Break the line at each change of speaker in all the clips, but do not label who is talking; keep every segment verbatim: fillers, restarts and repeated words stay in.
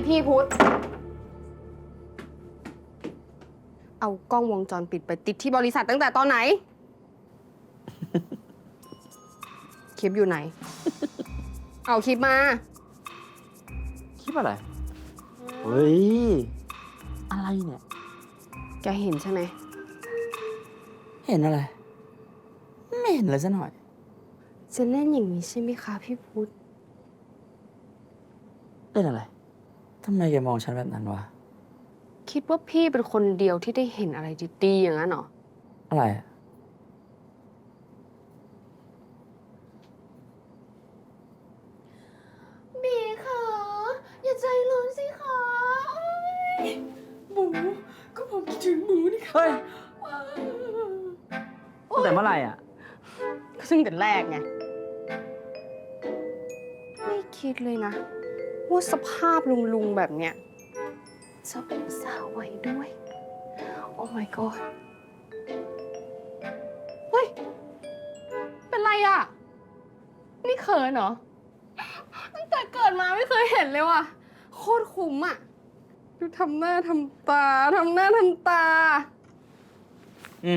พี่พุทธเอากล้องวงจรปิดไปติดที่บริษัทตั้งแต่ตอนไหน คลิปอยู่ไหน เอาคลิปมา
คลิปอะไร เฮ้ย อะไรเนี่ย
แกเห็นใช่ไหม
เห็นอะไร ไม่เห็นเลยซะหน่อย
จะเล่นอย่างนี้ใช่ไหมคะพี่พุทธ
เล่นอะไร ทำไมแกมองฉันแบบนั้นวะ
คิดว่าพี่เป็นคนเดียวที่ได้เห็นอะไรดีๆอย่างนั้นเหรอ
อะไรอะ
บีค่ะอย่าใจร้อนสิคะหมูก็ผมคิดถึงหมูนี่ค่ะ
เฮ้ย ตั้งแต่เมื่อไหร่อ่ะ
ก็ซึ่งแต่แรกไง ไม่คิดเลยนะ ว่าสภาพลุงๆแบบเนี้ยจะเป็นสาววัยด้วย โอ้ my god เฮ้ย เป็นไรอ่ะ นี่เขินเหรอ ตั้งแต่เกิดมาไม่เคยเห็นเลยว่ะ โคตรคุ้มอ่ะ ดูทำหน้าทำตา ทำหน้าทำตา
อืม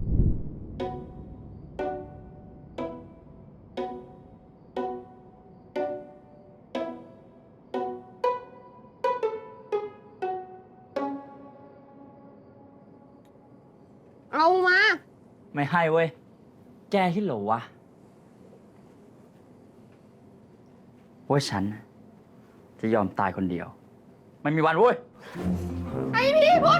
เอามา
ไม่ให้เว้ย แกคิดเหรอวะ ว่าฉันน่ะจะยอมตายคนเดียว ไม่มีวันเว้ย
ไอพี่พุทธ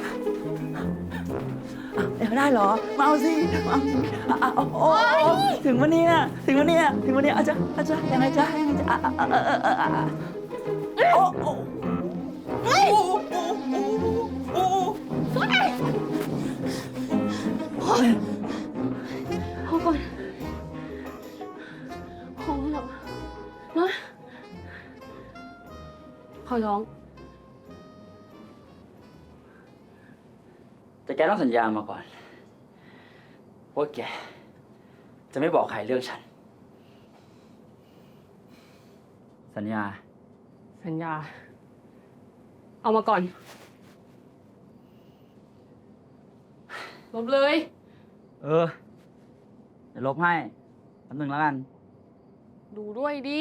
เดี๋ยวได้เหรอ มาเอาสิมาเอาสิอ่ะอ่ะโอ้โอ้โอ้ถึงวันนี้นะถึงวันนี้นะถึงวันนี้อาจจะอาจจะยังไงจ๊ะยังไงจ๊ะอ่ะอ่ะอ่ะอ่ะอ่ะอ่ะโอ้โอ้โอ้โอ้โอ้โอ้
พอก่อนพอแล้วนะขอร้อง
แต่แกต้องสัญญามาก่อนว่าแกจะไม่บอกใครเรื่องฉัน สัญญา
สัญญา เอามาก่อน ลบเลย
เออ เดี๋ยวลบให้แป๊บนึงแล้วกัน
ดูด้วยดิ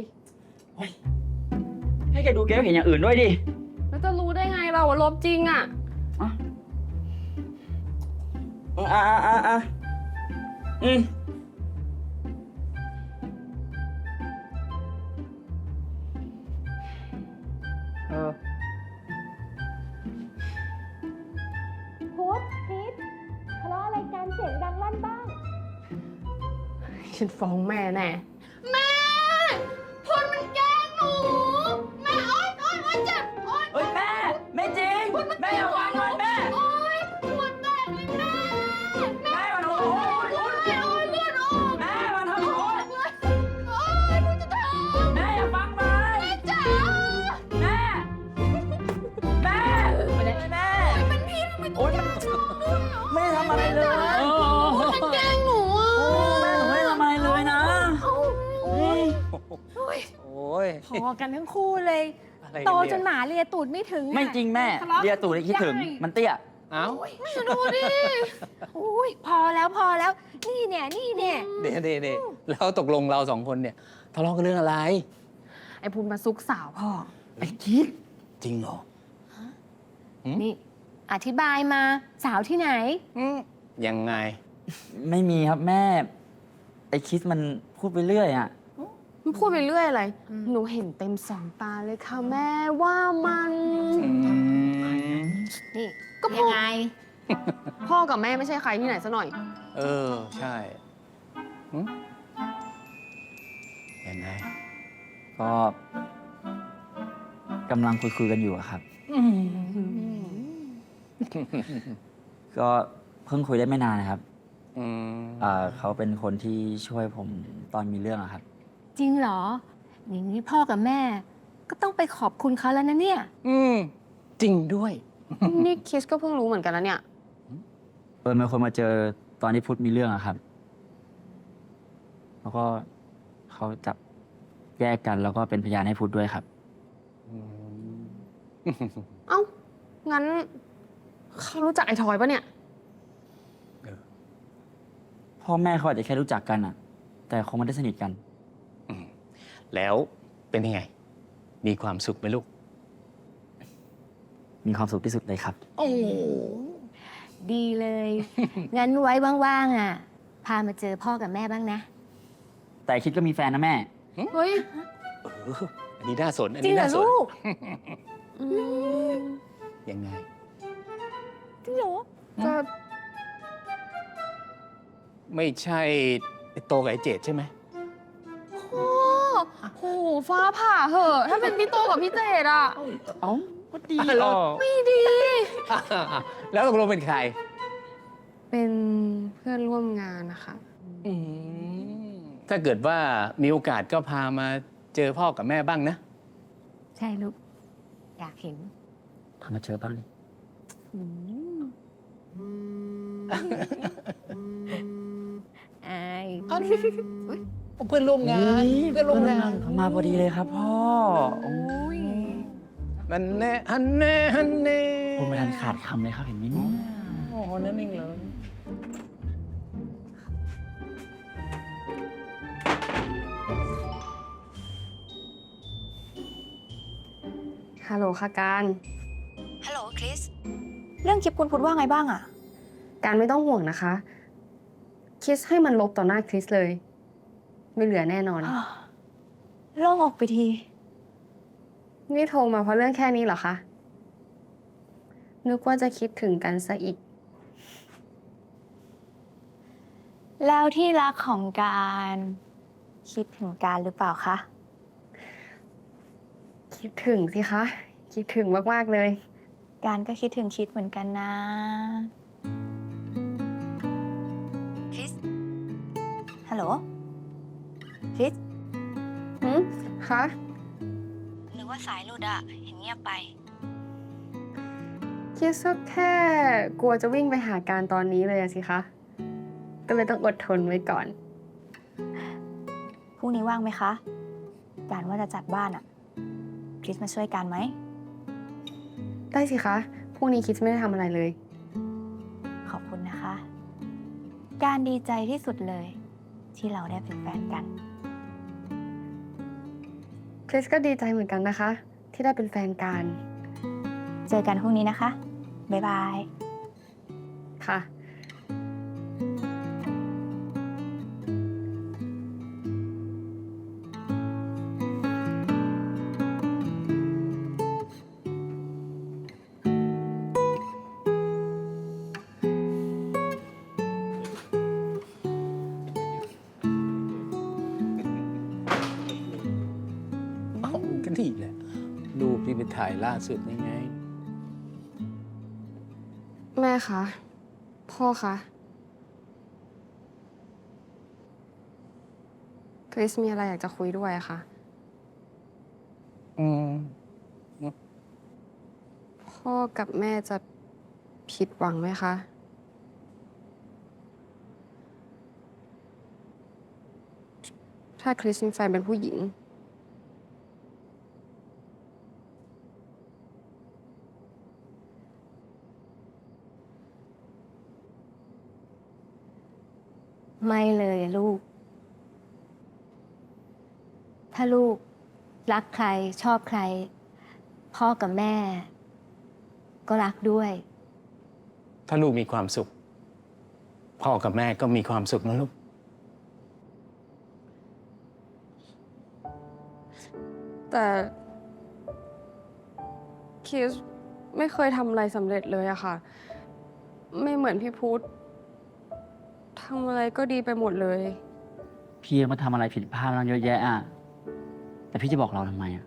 ให้แกดูแกก็เห็นอย่างอื่นด้วยดิ
แล้วจะรู้ได้ไงเราว่าลบจริงอ่ะ
อ่ะอ่ะอ่ะอ่ะอ่ะอืมเออ
พุทธพีททะเลาะอะไรกันเสียงดังลั่นบ้าง
ฉันฟ้องแม่แน่ แม่พลมันแกล้งหนู แม่โอ๊ยโอ๊ยโอ๊ยเจ็บโอ๊ย
เฮ้ยแม่ ไม่จริง แม่อย่าวางเลยแม่
โอ๊ยหัวแตกเลยแม่
แม่มาทำโอ๊ย
โอ๊ยโอ๊ยเลือดออก
แม่มาทำโอ๊ย
โอ๊ยหนูจะทำ
แม่อย่าฟังมัน
แม่จ๋า
แม่ แม่ไม่ได้แม่
เป็นพี่ทำไม
โอ๊ยมันไม่ได้ทำอะไรเลย
มันแกล้งหนูอ่ะ
แม่หนูไม่ได้ทำอะไรเลยนะ
โอ๊ย
โอ้ย
พอกันทั้งคู่เลย
อะไร
โต
กัน
จนห
เนี่ย
มาเลียตูดไม่ถึงอะ
ไม่จริงแม่
ทะเลาะ
เรียตู่เลยคิดถึง
ได้
มันเตี้ย
เอ้า
ดูดิ
อุ้ยพอแล้วพอแล้ว นี่เนี่ยนี่เนี่ย
เดี๋ยวเดี๋ยวเดี๋ยวแล้วตกลงเราสองคนเนี่ยทะเลาะกันเรื่องอะไร
ไอ้พูนมาซุกสาวพ่อ
ไอ้คิด
จริงเหรอ
นี่ อธิบายมาสาวที่ไหน
อืมยังไง
ไม่มีครับแม่ ไอ้คิดมันพูดไปเรื่อยอ่ะ
มันพูดไปเรื่อยอะไร
อืม
หนูเห็นเต็มสองตาเลยค่ะแม่ว่ามัน
อืม
นี่
ก็พอ
ยังไง
พ่อกับแม่ไม่ใช่ใครที่ไหนซะหน่อย
เออ ใช่หึยังไง
ก็กำลังคุยคุยๆกันอยู่อะครับ ก็เพิ่งคุยได้ไม่นานนะครับ
อืม
อ่าเขาเป็นคนที่ช่วยผมตอนมีเรื่องอะครับ
จริงเหรอ อย่างนี้พ่อกับแม่ ก็ต้องไปขอบคุณเขาแล้วนะเนี่ย
อืมจริงด้วย
นี่คิสก็เพิ่งรู้เหมือนกันแล้วเนี่ย
เออมีคนมาเจอตอนที่พุทธมีเรื่องอะครับ แล้วก็เขาจับแยกกันแล้วก็เป็นพยานให้พุทธด้วยครับ
อืม
เอ้า งั้นเขารู้จักไอ้ทอยปะเนี่ย
พ่อแม่เขาอาจจะแค่รู้จักกันอะแต่คงไม่ได้สนิทกัน
แล้วเป็นยังไง มีความสุขไหมลูก
มีความสุขที่สุดเลยครับ
โอ้
ดีเลย งั้นไว้ว่างๆอ่ะ พามาเจอพ่อกับแม่บ้างนะ
แต่คิดก็มีแฟนนะแม่
เฮ้ย
เอออันนี้น่าสน อัน
จริง
นี้
เหรอ
น่าสน
ลูก
อืม
ยังไง
จริงเหรอ
ก็
ไม่ใช่ไอ้โตกับไอ้เจดใช่ไหม
โอ้โหฟ้าผ่าเหอะ ถ้าเป็นพี่โตกับพี่เจดอะ
เอ้าก็ดี
อ่ะแล้ว
ออก
ไม่ดี
แล้วตกลงเป็นใคร
เป็นเพื่อนร่วมงานนะคะ
อืมถ้าเกิดว่ามีโอกาสก็พามาเจอพ่อกับแม่บ้างนะ
ใช่ลูก อยากเห็น
ทำมาเจอบ้างดิ
อืมอาย
เพื่อนร่วมงาน เพื่อนร่วมงาน
เขามาพอดีเลยครับพ่อโอ้ย
มันแน่ฮันแน่ฮันแน่
ผมไม่ทันขาดคำเลยครับเห็นไหมเนี่ย
โอ้โหนั่นเองเหรอ
ฮัลโหลค่ะการ
ฮัลโหลคริส เรื่องคลิปคุณพุทธว่าไงบ้างอะ
การไม่ต้องห่วงนะคะ คิสให้มันลบต่อหน้าคริสเลย ไม่เหลือแน่นอน
โล่งออกไปที
นี่โทรมาเพราะเรื่องแค่นี้เหรอคะ นึกว่าจะคิดถึงกันซะอีก
แล้วที่รักของการคิดถึงการหรือเปล่าคะ
คิดถึงสิคะ คิดถึงมากๆเลย
การก็คิดถึงคิดเหมือนกันนะ คริส ฮัลโหล คริส
หืมคะ
นึกว่าสายหลุดอะเห็นเงียบไป
คิดสักแค่กลัวจะวิ่งไปหาการตอนนี้เลยอะสิคะ ก็เลยต้องอดทนไว้ก่อน
พรุ่งนี้ว่างไหมคะ การว่าจะจัดบ้านอะคริสมาช่วยการไหม
ได้สิคะ พรุ่งนี้คิดไม่ได้ทำอะไรเลย
ขอบคุณนะคะ การดีใจที่สุดเลย ที่เราได้เป็นแฟนกัน
คริสก็ดีใจเหมือนกันนะคะ ที่ได้เป็นแฟนกัน
เจอกันพรุ่งนี้นะคะ บ๊ายบาย
ค่ะ
เอ้าก็นี่แหละ รูปที่ไปถ่ายล่าสุดนี่ไง
แม่คะ พ่อคะคริสมีอะไรอยากจะคุยด้วยอะคะ
อืม
พ่อกับแม่จะผิดหวังไหมคะ ถ้าคริสมีแฟนเป็นผู้หญิง
ไม่เลยอะลูก ถ้าลูกรักใครชอบใคร พ่อกับแม่ ก็รักด้วย
ถ้าลูกมีความสุข พ่อกับแม่ก็มีความสุขนะลูก
แต่คริสไม่เคยทำอะไรสำเร็จเลยอะค่ะ ไม่เหมือนพี่พุธทำอะไรก็ดีไปหมดเลย
พี่ยังมาทำอะไรผิดพลาดมาเยอะแยะอ่ะ แต่พี่จะบอกเราทำไมอ่ะ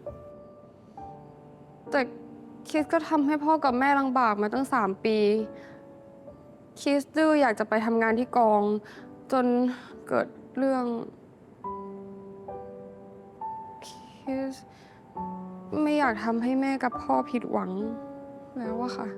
แต่คริสก็ทำให้พ่อกับแม่ลำบากมาตั้งสามปี คริสดื้ออยากจะไปทำงานที่กอง จนเกิดเรื่อง คริสไม่อยากทำให้แม่กับพ่อผิดหวังแล้วอะค่ะ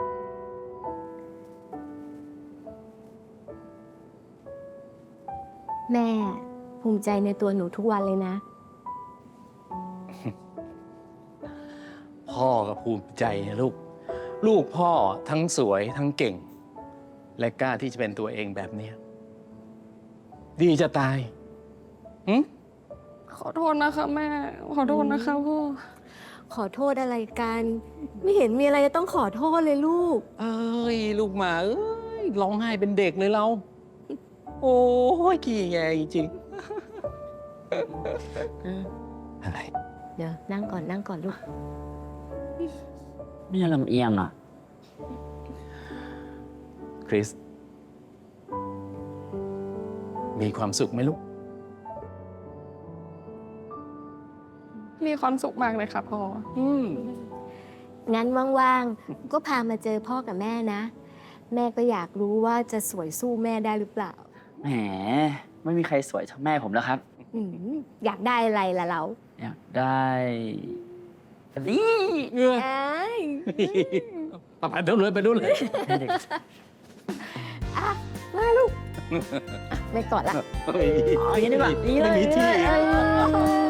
แม่ภูมิใจในตัวหนูทุกวันเลยนะ
พพ่อก็ภูมิใจนะลูก ลูกพ่อทั้งสวยทั้งเก่ง และกล้าที่จะเป็นตัวเองแบบเนี้ยดีจะตายหึ
ขอโทษนะคะแม่ ขอโทษนะคะพ่อ
ขอโทษอะไรกัน ไม่เห็นมีอะไรจะต้องขอโทษเลยลูก
เอ้ย ลูกหมาเอ้ยร้องไห้เป็นเด็กเลยเรา โอ้ยขี้แงจริงๆอะไร
เดี๋ยวนั่งก่อนนั่งก่อนลูก
ไม่ลำเอียงอ่ะ
คริส มีความสุขไหมลูก
มีความสุขมากเลยค่ะพ่อ
อืม
งั้นว่างๆ ก็พามาเจอพ่อกับแม่นะ แม่ก็อยากรู้ว่าจะสวยสู้แม่ได้หรือเปล่า
แหม ไม่มีใครสวยเท่าแม่ผมแล้วครับ
อืมอยากได้อะไรล่ะเรา
อยากได้นี่
เออ
เอ้ย
ไปดูเลยไปดูเลย
ให้เด็ก
มาลูกอ่ะไม่กอดละ
เฮ้ย
อ๋ออย่างนี้ดีกว่านี่เลย
ไม่มีที่
เอ้ย